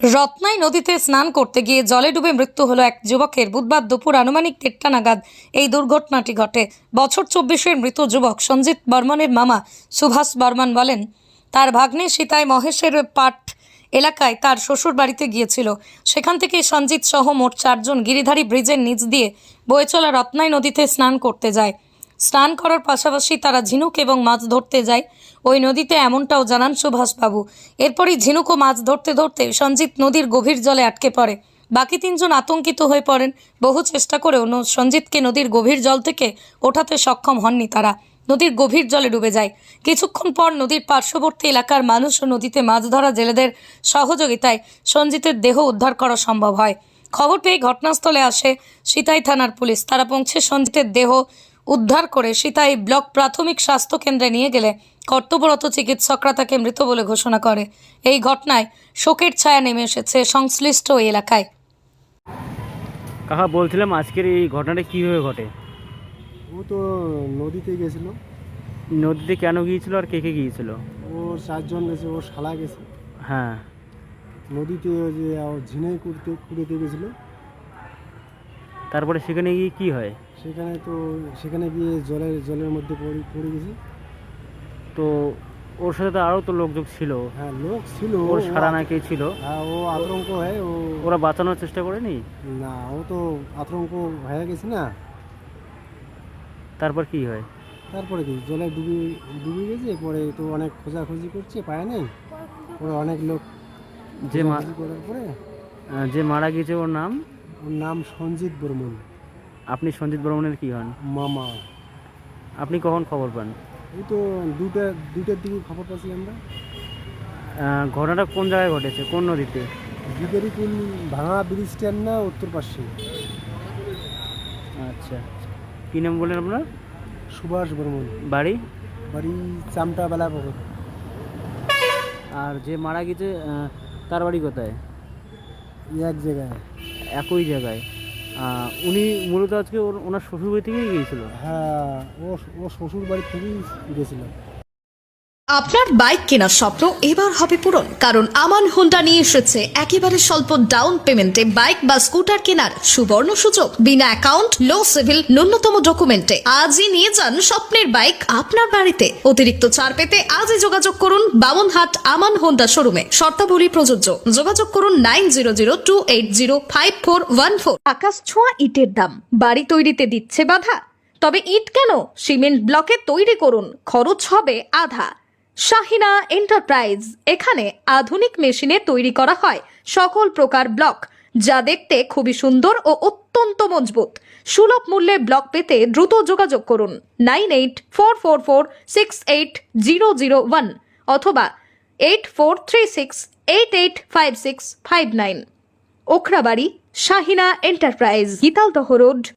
রত্নাই নদীতে স্নান করতে গিয়ে জলে ডুবে মৃত্যু হলো এক যুবকের। বুধবার দুপুর আনুমানিক 1টা নাগাদ এই দুর্ঘটনাটি ঘটে। বছর 24-এর মৃত যুবক সঞ্জিত বর্মনের মামা সুভাষ বর্মন বলেন, তার ভাগ্নে সীতাই মহেশের পাট এলাকায় তার শ্বশুর বাড়িতে গিয়েছিল। সেখান থেকে সঞ্জিত সহ মোট 4 জন গিরিধারী ব্রিজের নিচ দিয়ে বয়ে চলা রত্নাই নদীতে স্নান করতে যায়। স্নান করার পাশাপাশি তারা ঝিনুক এবং মাছ ধরতে যায় ওই নদীতে, এমনটাও জানান সুভাষবাবু। এরপরই ঝিনুক ও মাছ ধরতে ধরতে সঞ্জিত নদীর গভীর জলে আটকে পড়ে। বাকি 3 জন আতঙ্কিত হয়ে পড়েন। বহু চেষ্টা করেও সঞ্জিতকে নদীর গভীর জল থেকে ওঠাতে সক্ষম হননি তারা। নদীর গভীর জলে ডুবে যায়। কিছুক্ষণ পর নদীর পার্শ্ববর্তী এলাকার মানুষ ও নদীতে মাছ ধরা জেলেদের সহযোগিতায় সঞ্জিতের দেহ উদ্ধার করা সম্ভব হয়। খবর পেয়ে ঘটনাস্থলে আসে সিতাই থানার পুলিশ। তারা পৌঁছে সঞ্জিতের দেহ উদ্ধার করে সিতাই ব্লক প্রাথমিক স্বাস্থ্য কেন্দ্রে নিয়ে গেলে কর্তব্যরত চিকিৎসকরা তাকে মৃত বলে ঘোষণা করে। এই ঘটনায় শোকের ছায়া নেমে এসেছে সংশ্লিষ্ট ওই এলাকায়। কাকা বলছিলাম, আজকের এই ঘটনাটা কীভাবে ঘটে? ও তো নদীতে গেছিল। নদীতে কেন গিয়েছিল আর কে কে গিয়েছিল? ও 4 জন গেছে, ও শালা গেছে। হ্যাঁ, নদীতে ওই যে ঝিনাই কুড়িতে গেছিল। তারপরে সেখানে গিয়ে কি হয়? সেখানে গিয়ে জলের মধ্যে পড়ে গেছে। তো ওর সাথে তো আরও তো লোকজন ছিল। হ্যাঁ, লোক ছিল, ওর সারা না কে ছিল? হ্যাঁ, ও আতঙ্ক হয়ে ওরা বাঁচানোর চেষ্টা করেনি? না, ও তো আতঙ্ক হয়ে গেছে না। তারপর কি হয়? তারপরে কি জলে ডুবে গেছে। পরে তো অনেক খোঁজাখুঁজি করছে, পায় নাই। পরে অনেক লোক করার পরে যে মারা গেছে ওর নাম সঞ্জিত বর্মন। আপনি সঞ্জিত বর্মনের কি হন? মামা। আপনি কখন খবর পান? এই তো দুটার দিকে খবর পাচ্ছি আমরা। ঘটনাটা কোন জায়গায় ঘটেছে, কোন নদীতে? গিদারিকুল ভাঙা ব্রিজ স্ট্যান্ড না, উত্তর পাশে। আচ্ছা, কী নাম বললেন আপনার? সুভাষ বর্মন। বাড়ি? বাড়ি চামটা বেলা পকর। আর যে মারা গেছে তার বাড়ি কোথায়? এক জায়গায়, একই জায়গায়। উনি মূলত আজকে ওনার শ্বশুর বাড়ি থেকেই গিয়েছিল? হ্যাঁ, ও শ্বশুর বাড়ি থেকেই গেছিল। আপনার বাইক কেনার স্বপ্ন এবার হবে পূরণ, কারণ আমান হোন্ডা নিয়ে এসেছে একেবারে স্বল্প ডাউন পেমেন্টে বাইক বা স্কুটার কেনার সুবর্ণ সুযোগ। বিনা অ্যাকাউন্ট, লো সিভিল, ন্যূনতম ডকুমেন্টে আজই নিয়ে যান স্বপ্নের বাইক আপনার বাড়িতে। অতিরিক্ত ছাড় পেতে আজই যোগাযোগ করুন বামনহাট আমান হোন্ডা শোরুমে। শর্তাবলী প্রযোজ্য। যোগাযোগ করুন 9002805414। আকাশ ছোঁয়া ইটের দাম বাড়ি তৈরিতে দিচ্ছে বাধা? তবে ইট কেন, সিমেন্ট ব্লকে তৈরি করুন, খরচ হবে আধা। শাহিনা এন্টারপ্রাইজ, এখানে আধুনিক মেশিনে তৈরি করা হয় সকল প্রকার ব্লক, যা দেখতে খুবই সুন্দর ও অত্যন্ত মজবুত। সুলভ মূল্যে ব্লক পেতে দ্রুত যোগাযোগ করুন 9844468001 অথবা 8436885659। Okhrabari, Shahina enterprise, Gitaldaha road,